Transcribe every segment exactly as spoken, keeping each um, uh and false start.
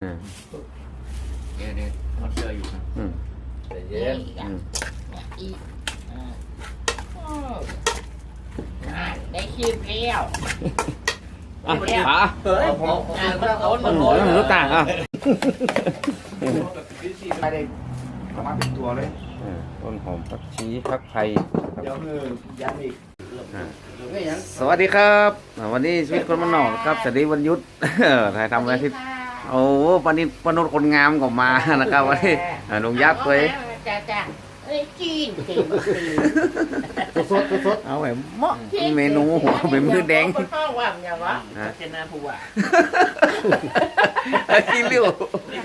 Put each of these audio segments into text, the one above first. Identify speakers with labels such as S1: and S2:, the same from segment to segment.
S1: เดี๋ยวเดี๋ยวทอดเสื้ออยู่นะแต่เย็นอีกได้คิดแล้ว
S2: อ่ะป๋า
S1: เฮ้ยผมอ่านแล้วมันโหด
S2: รู้ต่างอ่ะ
S3: ไม่ได้ประมาณเป็นตัวเลย
S2: ต้นหอมผักชีผักไทย
S3: เดี๋ยวคือยันอีก
S2: สวัสดีครับวันนี้ชีวิตคนมันนอกครับสวัสดีวันยุทธถ่ายทำอะไรที่โอ้ปนิปนุษคนงามก็มานะครับวันนี้ลุงยักษ์เลย
S1: จ้าจ้าเอ้ยจีน
S3: สดสดสด
S2: เอาแบบเหมาะเมนูหัวเป็นมือแดง
S1: ข้าวว่างอย่างวะเจน่าผู้ว่า
S2: ขี้ริ้ว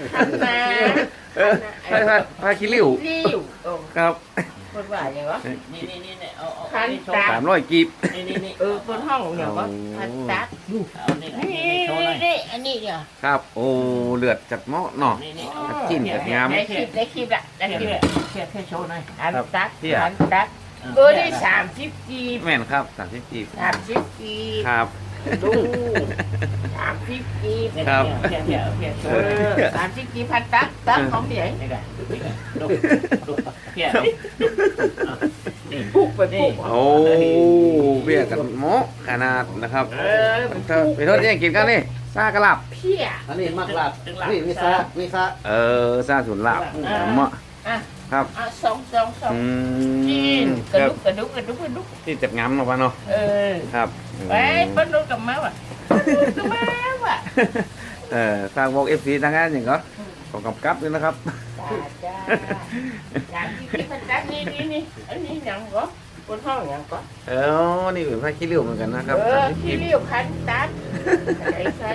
S2: พาพาพาขี้ริ้วครับ
S1: คนว่าอย่างวะนี่นี่นี่เนี่ยเอาเอา
S2: สามร้อยกีบ
S1: นี่นี่นี่เออคนห้องอย่างวะพันตัดเอานี่นี่นี่อันนี้เนี่ย
S2: ครับโอ้เลือดจัดเหมาะเนาะจิ้มจัดงาม
S1: ได้คลิปได้คลิปละได้คลิปละแค่แค่โชว์หน่อยอันตัดอันตัดเออได้สามสิบกีบ
S2: แม่นครับสามสิบกีบ
S1: สามสิบกีบ
S2: ครับ
S1: ดูสามสิบกีบ
S2: ครับ
S1: เพียเพียเพียเออสามสิบกีบพันตัดตัดของเพียนี่ไงดูดูเพียนี่ปุ๊บไปปุ๊บ
S2: โอ้เบี้ยกันหม้อขนาดนะครับเออไปโทษยังกินกันนี่ซากระลับ
S1: เพีย
S3: อันนี้มากลับนี่มีซามีซา
S2: เออซาสุนลับเหมาะครับ
S1: สองสองสองจีนกระดุกกระดุกกระดุกกระดุก
S2: ที่เจ็บงามเนาะป้าเนาะ
S1: เออ
S2: ครับ
S1: ไปปั้นรถกับม้าว่ะกับม้าว่ะ
S2: เออทางบอกเอฟซีทางนั้นอย่างก็ของกำกับด้วยนะครับ
S1: จ้าจ้าที่พันจักนี่นี่นี่อันนี้ยังก็คนห้องยังก็
S2: เออนี่เป็นผ้าขี้ริ้วเหมือนกันนะครับ
S1: เออขี้ริ้วพันตัดไอ้ใช่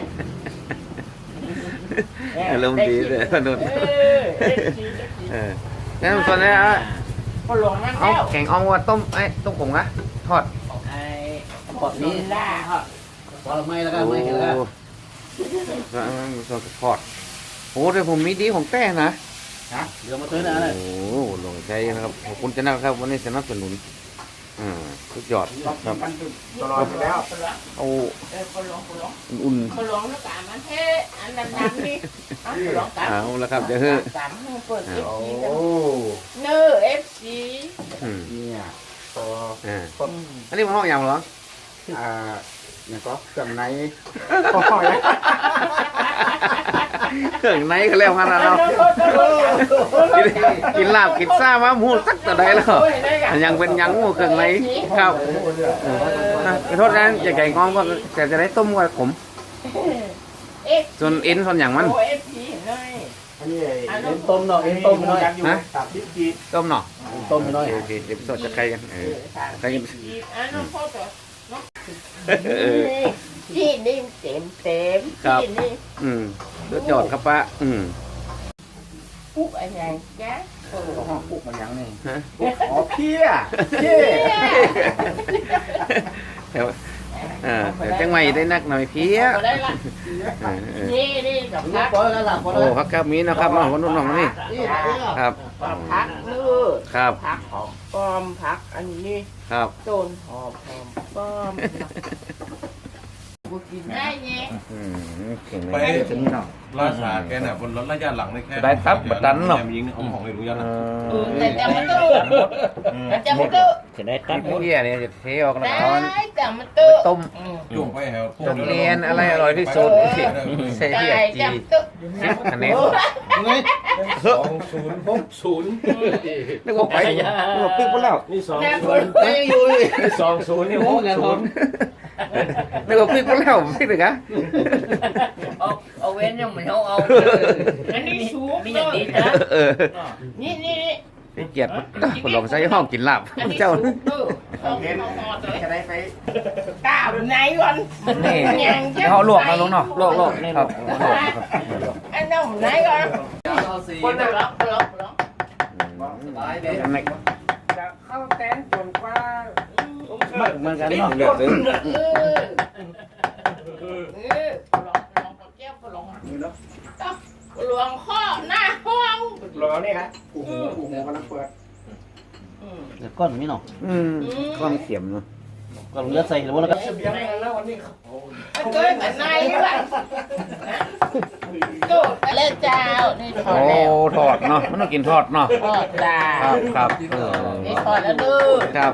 S2: อารมณ์ดีเลยพนุษย์เออนั่นส่วนนี้อ่ะเอาแข่งอ่องว่าต้มไอ้ต้มผงนะทอด
S1: ไอ้ทอดนี่ล่าทอด
S3: ทอดไม่แล้วก็ไม่แล้ว
S2: ก็ทอดโอ้เดี๋ยวผมมีดีของแต้นะ
S3: ฮะเดี๋ยวมาซื้อนะเลย
S2: โอ้ลงใจนะครับขอบคุณเจ้านะครับวันนี้สนับสนุนอ่าสุดยอดครับ
S3: ตลอดแล้ว
S2: เอา
S1: อุ่นๆร้องแล้วกามันเท่อันนั้นนี่
S2: เอาแล้วครับเดี๋ยวเฮ้ย
S1: เปิดเอฟซีเนอร์เอฟซี
S3: เนี่ย
S2: ต่ออันนี้มันห้องยำเหรอ
S3: อ่าเนี่ยก็เครื่องใน
S2: เครื่องในก็แล้วขนาดเรากินลาบกินซ่ามาหมูสักแต่ใดแล้วยังเป็นยังหมูเครื่องในครับขอโทษนะอย่าไก่งองก็แต่จะได้ต้มกับผมส่วนเอ็นส่วนอย่างมัน
S3: อันนี้เอ็นต้มเนาะเอ็นต้มน้อย
S2: นะต้มเนาะ
S3: ต้มน้อย
S2: โอเคเดี๋ยวสดจะใครกันเออใครกัน
S1: ที่นี่เต็มเต็มที่นี่
S2: อืมเลือดหยอดครับป้าอืม
S1: ปุ๊กอะไรจ๊ะ
S3: ปุ๊กมันยังนี่อ๋อเพี้ยเพี้ย
S2: เดี๋ยวเดี๋ยวจังไม่ได้นักหน่อยเพี้ย
S1: นี่นี่กับพัก
S2: โอ้พักครับมีนะครับน้องคนนู้นน้องนี่ครับ
S1: พักเลือด
S2: ครับ
S1: พักหอมป้อมพักอันนี้
S2: ครับ
S1: ต้นหอมหอมป้อมกินได้เนี่ย
S4: ไปราชาแกน่ะบนรถระยะหลังได้แค่
S2: ได้ครับบัดดันเนาะ
S4: ยิงของของไม่รู้ยัง
S1: แต่จำมันตู้แต่จำมันตู้
S2: จะได้ตัดเพี้ยเนี่ยจะเทออกแล้วก็
S1: ได้จำมันตู้
S2: ต้ม
S4: จุ่มไปแถว
S2: ต้มเรียนอะไรอร่อยที่สุดใส่เพี้ยจีสิบคะแนน
S4: สองศูนย์หกศูนย์
S2: นึกว่าไปนึกว่าปิ๊กไปแล้ว
S4: นี่สองศูนย์
S3: ไปอยู่
S4: สองศูนย์นี่หกศูนย์
S2: นึกว่าปิ๊กไปแล้วปิ๊กเลยกะ
S1: เอาเอาเว้นยังไม่เอาเอาอันนี้สูงมีอย่างนี้นะนี่นี่
S2: นี่เกียรติคนลองใช้ห้องกินลาบเจ้า
S3: จะได้ไป
S1: ตาไหนก่อน
S2: นี่เขาลวกมาลงเนาะลวกลวกนี่ครับ
S1: อันนั้นไหนก่อนคนละล็อกล็อกล็อก
S3: จะเข้าแตนจนกว่า
S2: เหมือนกันเนาะเลือกซื้อ
S1: หลวงข้อหน้าห้อง
S3: หลวงนี่ครับโอ้โหโอ้โหกำลังเปิด
S2: เดี๋ยวก้อนนี่เนาะอืมก้อนเข็มเนาะ
S3: ก็เลือดใส่แล้วแล้วก็
S1: มันเกินแต่ในว่ะโดดไปเลยเจ้านี่ทอ
S2: โอ้
S1: ดแล้ว
S2: ทอดเนาะมันต้องกินทอดเนาะ
S1: ทอดจ้า
S2: ครับครับเออ
S1: นี่ทอดแล้วดื้อ
S2: ครับ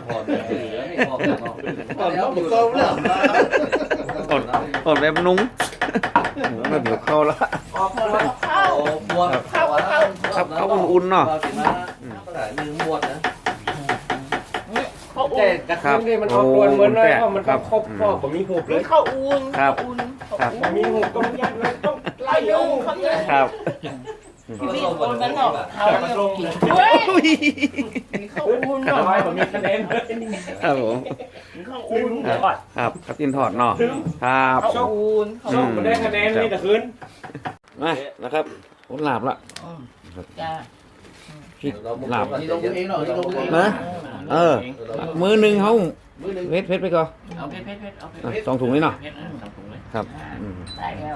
S3: ก็แล้วมันก็เลือด
S2: อดอดแบบนุ้งแบบเดี๋ยวเข้าแล้ว
S1: ออกมาเข้าเข้าเข้า
S2: ครับเขาอุ่นๆเนาะ
S3: ลืมหมดนะ
S1: เขา
S3: แต่
S1: อุ่น
S3: กระทุ่มนี่มันออกตัวเหมือนเลยเพราะมันก็ครบพ่อผมมีหูเลย
S1: เขาอุ่น
S2: ครับ
S1: อุ่น
S2: ครับ
S3: มีหูต้องยัดเลยต้อง
S1: ไล่ยุ่งเขาเนี่ย
S2: ครับ
S1: พี่คนนั้นออกเขาเนี่ยกินเฮ้ยเขาอุ่น
S3: กระ
S1: เนาะ
S3: ไว้ผมมีคะแนน
S2: ครับผม
S1: เขาอุ่น
S2: ครับครับครับกินทอดเนาะครับ
S1: เขาอุ่นเขา
S3: ชอบมันได้คะแนนนี่แต่คืน
S2: มานะครับผมหลาบละ
S1: จ้า
S2: พริกหลาบ
S3: ลงเองหน่อยลงเอง
S2: นะเออมือหนึ่งเขาเพชรเพชรไปก่อน
S1: เอาเพชรเพชรเพชรเอาเพชร
S2: อ่ะสองถุงนี่เนาะ
S1: เพชรสองถุงเลย
S2: ครับอืม
S1: ได้แล้ว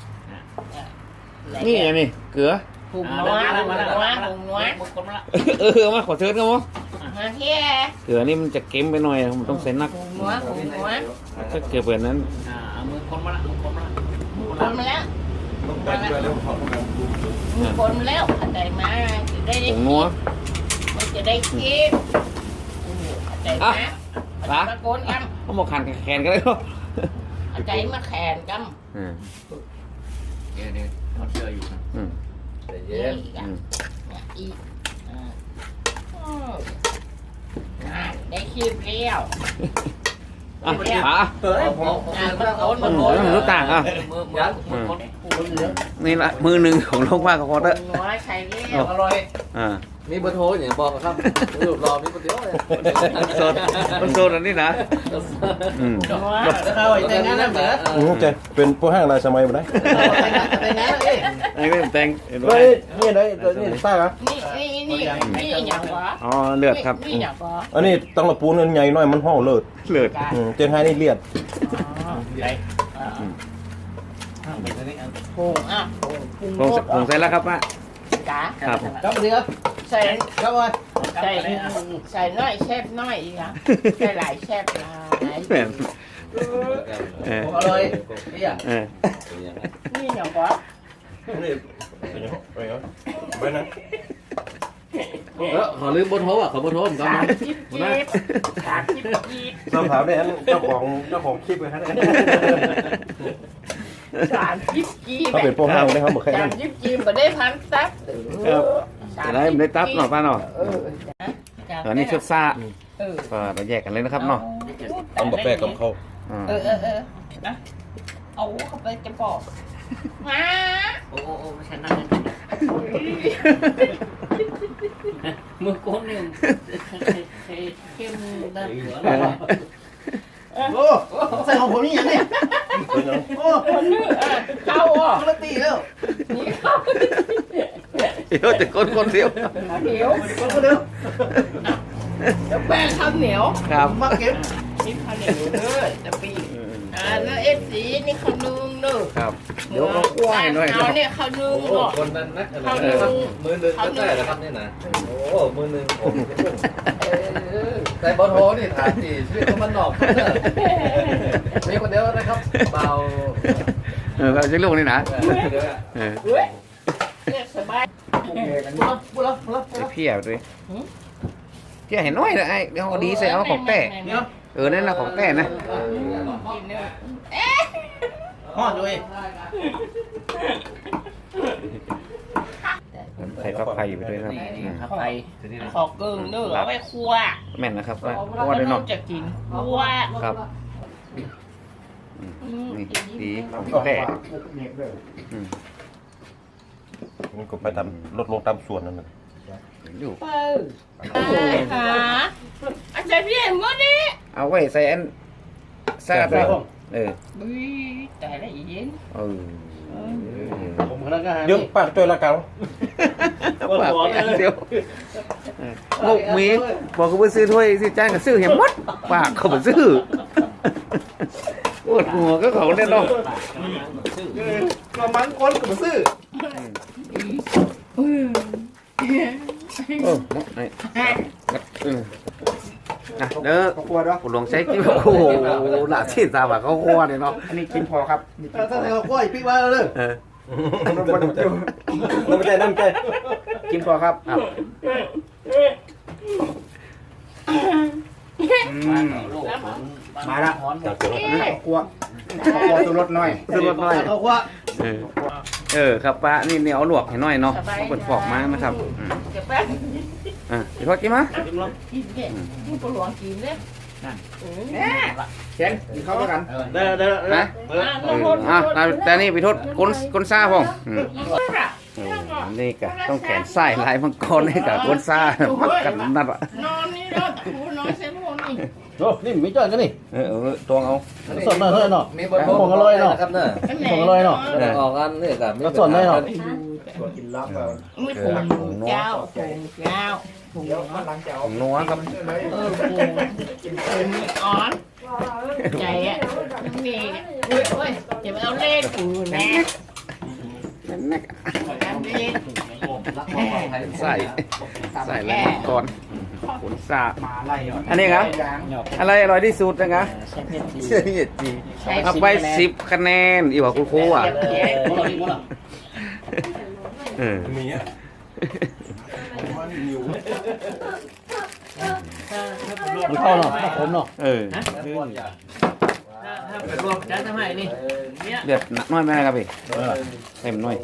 S2: นี่อันนี้เกลือ
S1: ถุงนัวถุงนัวถุงนัว
S2: เออมาขอเชิญกันมั้ง
S1: มาเที่ย
S2: เกลือนี่มันจะเค็มไปหน่อยมันต้องใส่นัก
S1: ถุงนัวถุงนัว
S2: ถ้าเกลือแบบนั้น
S1: เอามือคนมาละคนมาละคนมาแล้ว
S4: ต้องไปด้วยแล้วขอบคุณ
S1: มือคนมาแล้วอะไรมาจะได้
S2: ผงนัว
S1: มันจะได้คิดอะไรมาตะโกนกัน
S2: เขาบอกขันแขนกันเลยเนาะ
S1: ใจมาแขนกัน
S2: อืม
S1: เนี่ยเนี่ยมันเชื่ออยู่นะ
S2: อืม
S1: นี่กั
S2: อื
S1: น
S2: ม
S1: เนี่ยอีกได้คิดเรียว
S2: อ่ะขา
S3: เฮ้ยผม
S1: อ่ะมันโอน
S2: อื
S1: มัน
S2: ม
S1: โอน
S2: มันรู้ต่างอ่ะ
S1: มือมือมือคน
S2: นี่ละมือหนึ่งของโลกว่ากับพอเตอร์
S1: น้อยใช้เรียว
S3: อร่อย
S2: อ่า
S3: มีเบอร์โทรอย่างบอกครับรูปรอมีคนเดียวเลย
S2: มันโซนมันโซนอันนี้นะอืม
S1: น้อย
S3: เข้าแต่งงานแล้วเหรอ
S4: อืมจะเป็นผู้ห้างรายสมัยมาได้
S3: แต่งงานแล้วเอ้ย
S2: ไอ้เรื่องแต่งเห็นไหม
S4: เฮ้ยนี่ได้นี่ซ่าครับ
S1: นี่นี่นี่นี่อย่างวะ
S2: อ๋อเลือดครับ
S1: นี่อย่างวะ
S4: อันนี้ต้องละปูนใหญ่หน่อยมันห่อเลิศ
S2: เลือด
S4: อืมเจนไฮนี่เลียด
S1: ได้พุงอ่ะ
S2: ผงผงใส่แล้วครับป้า
S1: จ๋า
S2: ครับ
S3: ครับเดียว
S1: ใส่
S3: ครับว่า
S1: ใส่ใส่น้อยแชบน้อยอีกอ่ะใส่หลายแชบหลาย
S2: แม่นเออ
S3: อร่อยนี่อ่ะ
S2: เออ
S1: นี่อย่างวะ
S4: นี่ไปเหรอไปนะ
S3: เออขอลืมเบอร์โทรอ่ะขอเบอร์โทรผมก็
S1: สาม
S3: มา
S1: สิบจีบสามสิบจีบ
S4: สอบถามได้เจ้าของเจ้าของคลิปเลยฮะ
S1: สามสิบจีบ
S4: เขาเป็นผู้ห้างได้เขาบอกแค่
S1: สา
S4: นั้
S1: ม
S4: น
S1: สิบจีบมาได้พันตับ
S2: ครับจะได้ไม่ได้ตับหน่อยป้าเนาะ
S1: เออ
S2: ตอนนี้ชุดซ่า
S1: เออ
S2: ก็เราแยกกันเลยนะครับเนาะ
S4: มันบอกแปลกกับเขา
S2: อ่า
S1: เออเออเออนะเอาเข้าไปจะบอกมา
S5: โอ้โอ้โอ้ฉันนั่งมือก้นเนี่ยเข้มด้านหัว
S3: โอ้ใส่ของผมนี่ยังเนี่ยโอ้
S1: คนนึงเข้าอ่ะ
S3: คนละตีแล้ว
S1: นี่เข้า
S2: เดี๋ยวจะคนคนเดียว
S1: เหนียว
S3: คนคนเดียว
S1: เดี๋ยวแป้งข้าวเหนียว
S2: ครับ
S3: มาเก็บ
S1: นี่ข้าวเหนียวเด้อจะปีอ่าแล้วเอฟซีนี่ข้าวนึ่งเด้อ
S2: ครับเดี๋ยวก็กล้วยหน่อย
S1: เอาเนี่ยข้าวนึ่ง
S3: โอ้
S1: เนาะ
S3: คนนั้นนะ
S1: ข้าวนึ่ง
S3: มือหนึ่งก็ได้แล้วครับนี่นะโอ้มือหนึ่งผม
S1: เออ
S3: แต่เบอร์โทรนี่ถามจีชีวิตมันนอกมีคนเดียวนะครับเบา
S2: เออจะลูกนี่นะ
S3: เดี๋ยว
S2: เออ
S1: เฮ้ยเนี่ยสบาย
S3: ปุ๊บแล้วปุ๊บแล้วปุ๊บแล้ว
S2: ไอ้เพี้ยด้วยเพี้ยเห็นน้อยเลยไอ้เดี๋ยวเอาดีใส่เอาของแต่
S3: เนี่ย
S2: เออนั่นนะของแต่นะ
S1: กินเนื้อเอ๊ะ
S3: ห่อด้วย
S2: ใส่ฟักไฟไปด้วยครับอืม
S1: ขอขอเกิงเนื้อเอาไปคั่ว
S2: แม่นนะครับว่า
S1: เพราะ
S2: ว่าได้
S1: น้
S2: เนาะ
S1: องจะกินคั่ว
S2: ครับ
S1: อืม
S2: นี่ดีของแต่อืม
S4: มันก็ไปตามลดลงตามส่วนนั่นแหละ
S2: อยู่
S1: เปิดไปหาอาจารย์พี่เห็นมั้ยนี่
S2: เอาไว้ใส่อันซาดเลยเออ
S1: อุ้ยแต่ละอีเย็น
S2: เออ
S3: ผมคนนั้นก็หา
S4: เดี๋ยวปากจ้อยละเกา
S2: ปากอันเดียวงกมีบอกเขาไปซื้อถ้วยซื้อจานก็ซื้อเห็นหมดปากเขาไปซื้อปวดหัวก็เขาแน่นอน
S3: ประมาณคนกับซื้อ
S2: เออไอ้เออนะเด้อ
S3: กลัวด้วย
S2: ผคุณหลวงใช้จิ้มโอ้โหหลาที่ตาแบบเขาคั่วเนี่ยเนาะ
S6: อันนี้กินพอครับนี่กินพ
S3: ถ้า
S6: อ
S3: ใส่ข้าวคั่วอีกปีว่าเลย
S2: เออ
S6: น้ำใจน้ำใจกินพอครับ
S2: ครับ
S6: มาละข้าวคั่วข้าวคั่วตัวรสน้อย
S2: ซื้อรถน้อย
S3: ข้าวคั่ว
S2: เออเออครับป้านี่เนี่ยเอาลวกให้หน่อยเนาะเอาเปิดฟอกมานะครับอืม
S1: เก็บแป๊บ
S2: อ่ะพี่ทอดกินมา
S1: กินเนี่ยกินปลาหลวงกินเนี่ย
S6: แข็งกินข้าวด้วยกัน
S3: เด้อเด้อ
S2: นะเอออ่ะแต่แต่นี่พี่ทอดก้นก้นซ่าพ่องอืมเออนี่กะต้องแขนไส้ลายมังกรนี่กะก้นซ่ามักกันนัดอ่ะ
S1: นอนนี่เนาะกูนอนเส้นพวกนี้
S3: โอ้นี่มีจ้อยกันนี่
S2: เออเออตวงเอา
S3: สดหน่อยเฮ้ยเนาะ
S7: มีบนผมอร่อยนะครับเนอะ
S3: ของอร่อยเนาะ
S7: เดี๋ยวออกกันนี่กับ
S3: ก็สดหน่อยเนาะ
S6: กินลับ
S1: ไม่ถูกเจ้าถูกเจ้าถูก
S6: เดี๋ยวมันหลังจะเอา
S2: ของนัวครับ
S1: เออถูกเป็นอ่อนใจอ่ะนี่เฮ้ยเฮ้ยจะมาเอาเล่นกูนะ
S2: นัก
S1: ทำเล่น
S2: ใส่ใส่ลายมังกรก้นซ่า
S6: มาไล่
S2: อันนี้ครับ
S6: ยาง
S2: อะไรอร่อยที่สุดนะครับเชื่อที่จี
S1: ใช้
S2: เอาไปสิบคะแนนอีกว่าคุณครูอ่ะเออ
S4: มีอ่ะ
S3: มันเข้าเนาะผมเนาะ
S2: เออ
S5: ถ้าเป็นรวมจะทำไมนี่เนี่ย
S2: เดือดน้อยไหมครับพี่เต็มน้อย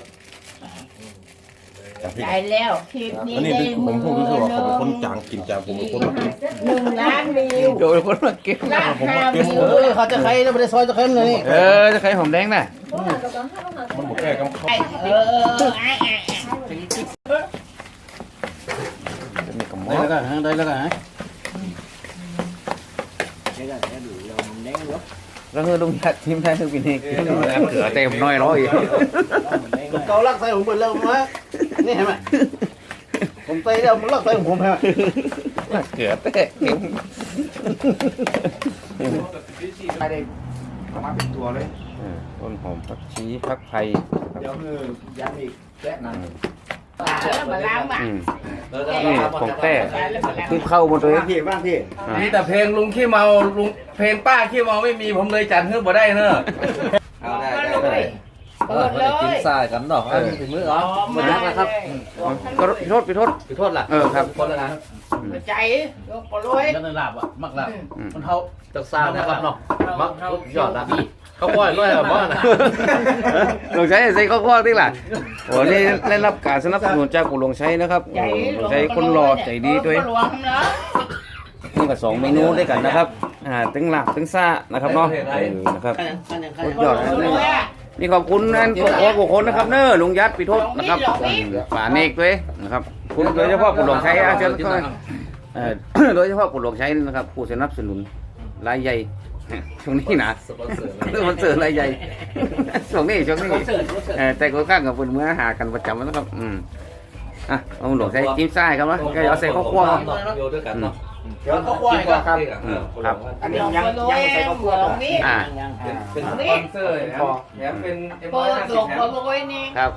S1: ใจแล้วคลิปนี้
S4: อันนี้
S1: ได้
S4: ที่ผมพูดก็คือว่าเขาเป็นคนจางกินจางผมเป็นคนมากิน
S1: หนึ่งล้านวิว
S2: โดยคนมาเก็บ
S1: ล้านห้าวิว
S3: เออเขาจะใครแล้วไม่ได้ซอยจะใครเลยนี่
S2: เออจะใครหอมแดงน่ะ
S4: มันบอกแก้กับเขา
S1: เออเออไอ้ไอ้
S2: มีกระหมอ
S3: ได้แล้วกันฮะได้แล้วกันฮะ
S2: แล้วเฮือลุงยัดทีมไทยคือปีนี้กินเขือเต็มน้อยร้อย
S3: เกาลักใส่ผมเปิดแล้วมานี่เห็นไหมผมใส่แล้วมันลักใส่ของผมเห็นไหม
S2: เขือเตะเข็ม
S6: ไม่ได้เอามาเป็นตัวเลย
S2: ต้นหอมผักชีผักไผ่
S6: เดี๋ยวคือยันอีกแกะนั่น
S1: แล้วมาล้างมา
S2: อืม
S7: เออ
S2: นี่ของแต้ที่เข้าหมดเลย
S6: บ้างพี่บ้างพี่
S7: มีแต่เพลงลุงขี้เมาลุงเพลงป้าขี้เมาไม่มีผมเลยจัดเพื่อบ่ได้เนอะเอาได้ได้ได้
S1: เปิดเลย
S7: กินทรายกันเนาะอันถึงมือเหรอหมดแล้วนะครับ
S2: ก็พี่โทษพี่โทษ
S7: ขอโทษล่ะ
S2: เออครับ
S7: คนละนะ
S1: ใจยกปลอย
S3: แล้วในลาบอ่ะมักลาบ
S7: มันเท่าจากซาวนะครับเนาะมักยอดละเขาปล่อยด้วยเหรอบ้านะ
S2: หลวงชัยใส่ข้าวคั่วที่ล่ะโอ้นี่ได้รับการสนับสนุนจากปู่หลวงชัยนะครับ
S1: ใจ
S2: หลวงชัยคนหล่อใจดีด้วย
S1: หลวงเนาะ
S2: นี่ก็สองเมนูด้วยกันนะครับ อ่าตึงหลักตึงซ่านะครับเนาะเออนะครับสุดยอดนะนี่นี่ขอบคุณนั่นตัวโอ้บุคคลนะครับเนอะลุงยัดปีโทษนะครับอืมป่าเนกด้วยนะครับ คุณโดยเฉพาะปู่หลวงชัยอาเชิญเข้าเอ่อ โดยเฉพาะปู่หลวงชัยนะครับผู้สนับสนุนรายใหญ่ ช่วงนี้นะ
S7: สปอนเซอร์
S2: เรื่องมันเสือรายใหญ่ ช่วงนี้ช่วงนี้เออแต่ก็ข้างกับเพื่อนเมื่อหากันประจำนะครับ อืมอ่ะเอาหลวงใส่จิ้มไส้ครับนะก็เอาใส่ข้าวคั่วครับ
S7: อยู่ด้วยกันเนาะ
S6: เดี๋ยวเขาควายก็ครับ
S2: ครับ
S6: อันนี้ยังยังใส่ข้าวคั่วต่อ
S1: นี่
S2: อ่า
S7: เป็นสปอนเซอร์แถมแถมเป็นเอ็ม
S1: เปิ
S7: ร้อย
S1: ด
S7: ห้า
S1: หล
S7: สิบ
S1: ง
S7: แถ
S1: ป
S7: ม
S1: ลอยนี่
S2: ครับ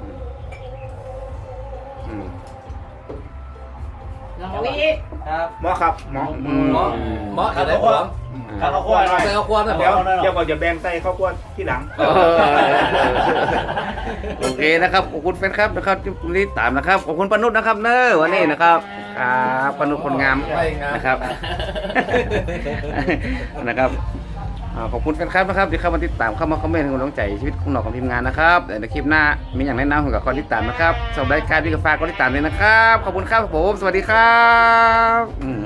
S2: อืม
S1: หลงวิทย์
S7: ครับ
S6: หมอครับหมอ
S2: อืม
S7: เหมาะเหมาะอะไรผม
S6: ข้าวคั่วหน่อย
S7: ใส่ข้าวคั่วนะผ
S6: เดี๋ยว
S7: ม
S6: เดี๋ยวก่อนจะแบ่งใส่ข้าวคั่วที่หลัง
S2: เออโอเคนะครับขอบคุณแฟนครับนะครับที่ติดตามนะครับขอบคุณปนุษนะครับเนอะวันนี้นะครับครับปนุษคนงามนะครับ นะครับอ่าขอบคุณแฟนคลับนะครับที่เข้ามาติดตามเข้ามาคอมเมนต์ให้กำลังใจชีวิตของเราของทีมงานนะครับแต่ในคลิปหน้ามีอย่างแนะนำผมกับคนติดตามนะครับสำหรับรายการพี่กาแฟก็ติดตามเลยนะครับขอบคุณครับผมสวัสดีครับอืม